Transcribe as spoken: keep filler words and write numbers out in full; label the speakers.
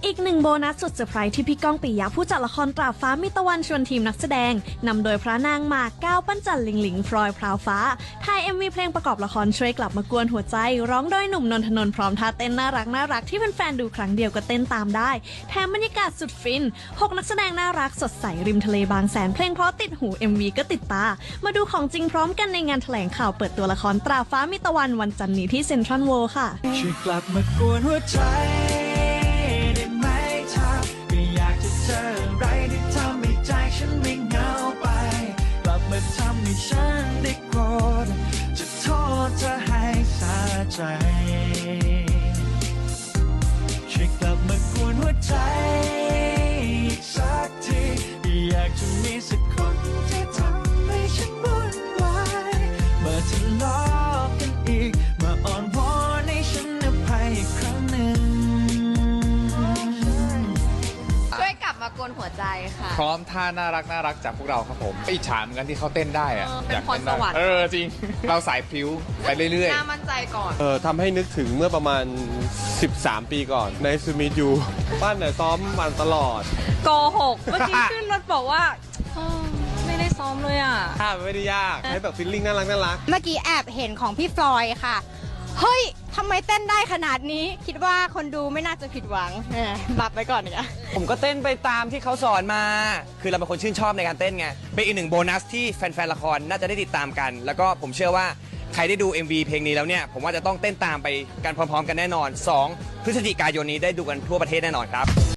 Speaker 1: อีกหนึ่งโบนัสสุดเซอร์ไพรส์ที่พี่ก้องปิยะผู้จัดละครตราฟ้ามิตะวันชวนทีมนักแสดงนำโดยพระนางหมากก้าวปั้นจันหลิงหลิงพลอยพราวฟ้าถ่าย เอ็ม วี เพลงประกอบละครช่วยกลับมากวนหัวใจร้องโดยหนุ่มนนทนนท์พร้อมท่าเต้นน่ารักน่ารักที่แฟนๆดูครั้งเดียวก็เต้นตามได้แถมบรรยากาศสุดฟินหกนักแสดงน่ารักสดใสริมทะเลบางแสนเพลงเพราะติดหู เอ็ม วี ก็ติดตามาดูของจริงพร้อมกันในงานแถลงข่าวเปิดตัวละครตราฟ้ามิตะวันวันจันทร์นี้ที่เซ็นทรัลเวิลด์ค่ะ
Speaker 2: ช่วยกลับมากวนหัวใจได้ไหมเธอก็อยากจะเจออะไรที่ทำให้ใจฉันไม่เหงาไปกลับมาทำให้ฉันได้โกรธจะโทษเธอให้สาใจช่วยกลับมากวนหัวใจอีกสักทีอยากจะมีสักคนที่ทำให้ฉันวุ่นวายเมื่อทะเลาะกันอีกมาอ่อนวอนให้ฉันอภัยอีกครั้งหนึ่ง
Speaker 3: ช่วยกลับมากวนหัวใจค่ะ
Speaker 4: พร้อมท่าน่ารักน่ารักจากพวกเราครับผมอิจฉาเหมือนกันที่เขาเต้นได้อะ
Speaker 3: เออเป็น
Speaker 4: อยาก
Speaker 3: พร
Speaker 4: เต้นได้
Speaker 3: สวรรค์
Speaker 4: เออจริง เราสายพลิ้วไปเรื่อย
Speaker 3: น่ามั่นใจก่อน
Speaker 5: เออทำให้นึกถึงเมื่อประมาณสิบสามปีก่อนในซูมิยูบ้านเนี่ยซ้อมมันตลอด
Speaker 3: โกหกเมื่อกี้ขึ้นรถบอกว่าเออไม่ได้ซ้อมเลยอ่ะ
Speaker 5: ถ้ามันไม่ได้ยากให้แบบฟิลลิ่งน่ารักน่ารัก
Speaker 6: เมื่อกี้แอบเห็นของพี่ฟลอยด์ค่ะ เฮ้ย ทำไมเต้นได้ขนาดนี้ คิดว่าคนดูไม่น่าจะผิดหวังเออรับไปก่อนเนี่ย
Speaker 7: ผมก็เต้นไปตามที่เขาสอนมา คือเราเป็นคนชื่นชอบในการเต้นไง เป็นอีกหนึ่งโบนัสที่แฟนๆ ละครน่าจะได้ติดตามกัน แล้วก็ผมเชื่อว่าใครได้ดู เอ็ม วี เพลงนี้แล้วเนี่ย ผมว่าจะต้องเต้นตามไปกันพร้อมๆ กันแน่นอน สอง พฤศจิกายนนี้ได้ดูกันทั่วประเทศแน่นอนครับ